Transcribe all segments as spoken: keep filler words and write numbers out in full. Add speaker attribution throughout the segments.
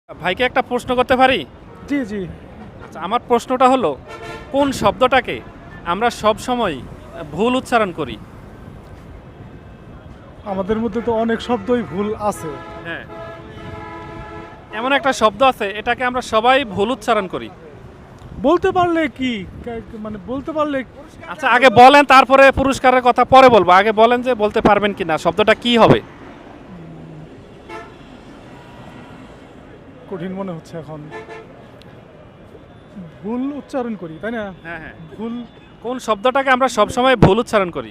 Speaker 1: ভাইকে একটা প্রশ্ন করতে পারি?
Speaker 2: জি, জি।
Speaker 1: আচ্ছা, আমার প্রশ্নটা হলো, কোন শব্দটাকে আমরা সব সময় ভুল উচ্চারণ করি?
Speaker 2: আমাদের মধ্যে তো অনেক শব্দই ভুল আছে।
Speaker 1: হ্যাঁ। এমন একটা শব্দ আছে, এটাকে আমরা সবাই ভুল উচ্চারণ করি।
Speaker 2: বলতে পারলে কি কা- মানে বলতে পারলে
Speaker 1: আচ্ছা, আগে বলেন, তারপরে পুরস্কারের কথা পরে বলবো। আগে বলেন যে বলতে পারবেন কিনা, শব্দটা কি হবে?
Speaker 2: কঠিন মনে হচ্ছে এখন। ভুল উচ্চারণ করি, তাই না?
Speaker 1: হ্যাঁ হ্যাঁ।
Speaker 2: ভুল,
Speaker 1: কোন শব্দটাকে আমরা সব সময় ভুল উচ্চারণ করি?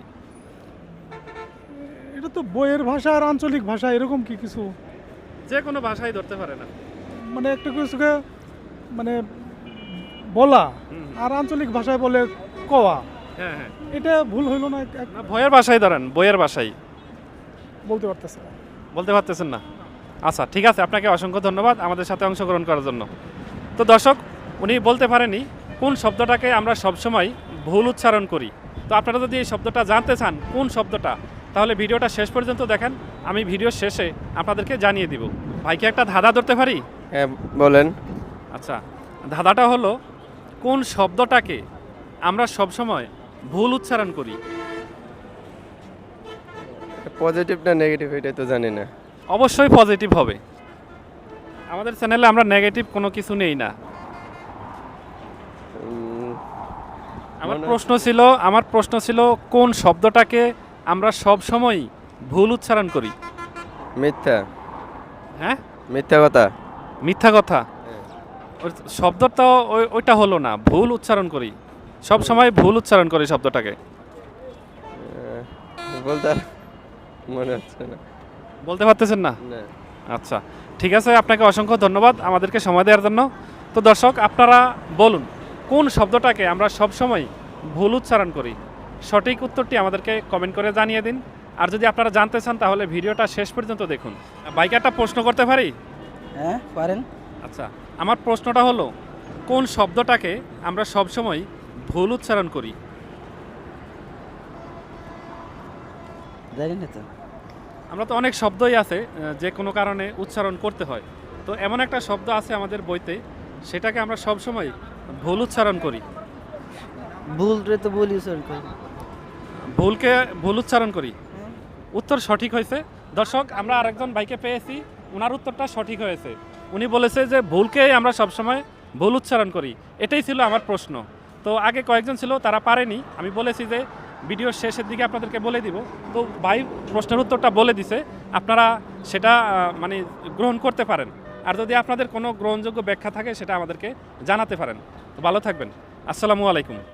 Speaker 2: এটা তো বইয়ের ভাষা আর আঞ্চলিক ভাষা এরকম কি কিছু?
Speaker 1: যে কোনো ভাষাই ধরতে পারে না।
Speaker 2: মানে একটা কিছুকে মানে বলা
Speaker 1: হুম।
Speaker 2: আর আঞ্চলিক ভাষায় বলে কওয়া,
Speaker 1: হ্যাঁ হ্যাঁ।
Speaker 2: এটা ভুল হইল না? এক-
Speaker 1: না, বইয়ের ভাষাই ধরেন, বইয়ের ভাষাই।
Speaker 2: বলতে পারতেছে না।
Speaker 1: বলতে পারতেছেন না? আচ্ছা, ঠিক আছে, আপনাকে অসংখ্য ধন্যবাদ আমাদের সাথে অংশগ্রহণ করার জন্য। তো দর্শক, উনি বলতে পারেনি কোন শব্দটাকে আমরা সবসময় ভুল উচ্চারণ করি। তো আপনারা যদি এই শব্দটা জানতে চান কোন শব্দটা, তাহলে ভিডিওটা শেষ পর্যন্ত দেখেন। আমি ভিডিও শেষে আপনাদেরকে জানিয়ে দিব। ভাইকে একটা ধাঁধা ধরতে পারি?
Speaker 3: হ্যাঁ বলেন।
Speaker 1: আচ্ছা, ধাঁধাটা হলো, কোন শব্দটাকে আমরা সবসময় ভুল উচ্চারণ করি?
Speaker 3: পজিটিভ না নেগেটিভ এটা তো জানি না।
Speaker 1: অবশ্যই পজিটিভ হবে। আমাদের চ্যানেলে আমরা নেগেটিভ কোনো কিছু নেই না।
Speaker 3: উম,
Speaker 1: আমার
Speaker 3: মনে-
Speaker 1: প্রশ্ন ছিল আমার প্রশ্ন ছিল কোন শব্দটাকে আমরা সব সময় ভুল উচ্চারণ করি?
Speaker 3: মিথ্যা।
Speaker 1: হ্যাঁ,
Speaker 3: মিথ্যা কথা।
Speaker 1: মিথ্যা কথা। ওই শব্দটা ওই- ওইটা হলো না, ভুল উচ্চারণ করি, সব সময় ভুল উচ্চারণ করি শব্দটাকে।
Speaker 3: আহ, বলতে আর মনে হচ্ছে না।
Speaker 1: বলতে পারতেছেন না?
Speaker 3: না।
Speaker 1: আচ্ছা, ঠিক আছে, আপনাকে অসংখ্য ধন্যবাদ আমাদেরকে সময় দেওয়ার জন্য। তো দর্শক, আপনারা বলুন কোন শব্দটাকে আমরা সব সময় ভুল উচ্চারণ করি? সঠিক উত্তরটি আমাদেরকে কমেন্ট করে জানিয়ে দিন। আর যদি আপনারা জানতে চান তাহলে ভিডিওটা শেষ পর্যন্ত দেখুন। বাইকে একটা প্রশ্ন করতে পারি?
Speaker 4: হ্যাঁ পারেন।
Speaker 1: আচ্ছা, আমার প্রশ্নটা হলো, কোন শব্দটাকে আমরা সব সময় ভুল উচ্চারণ করি?
Speaker 4: জানি না তো।
Speaker 1: আমরা তো অনেক শব্দই আছে আহ, যে কোনো কারণে উচ্চারণ করতে হয়। তো এমন একটা শব্দ আছে আমাদের বইতে, সেটাকে আমরা সব সময় ভুল উচ্চারণ করি।
Speaker 4: ভুল রে তো বলি স্যার কই।
Speaker 1: ভুলকে ভুল উচ্চারণ করি। উত্তর সঠিক হয়েছে। দর্শক, আমরা আরেকজন ভাইকে পেয়েছি, ওনার উত্তরটা সঠিক হয়েছে। উনি বলেছে যে ভুলকে আমরা সবসময় ভুল উচ্চারণ করি। এটাই ছিল আমার প্রশ্ন। তো আগে কয়েকজন ছিল, তারা পারেনি। আমি বলেছি যে ভিডিওর শেষের দিকে আপনাদেরকে বলে দিব। তো ভাই প্রশ্নের উত্তরটা বলে দিছে, আপনারা সেটা আহ, মানে গ্রহণ করতে পারেন। আর যদি আপনাদের কোনো গ্রহণযোগ্য ব্যাখ্যা থাকে সেটা আমাদেরকে জানাতে পারেন। তো ভালো থাকবেন। আসসালামু আলাইকুম।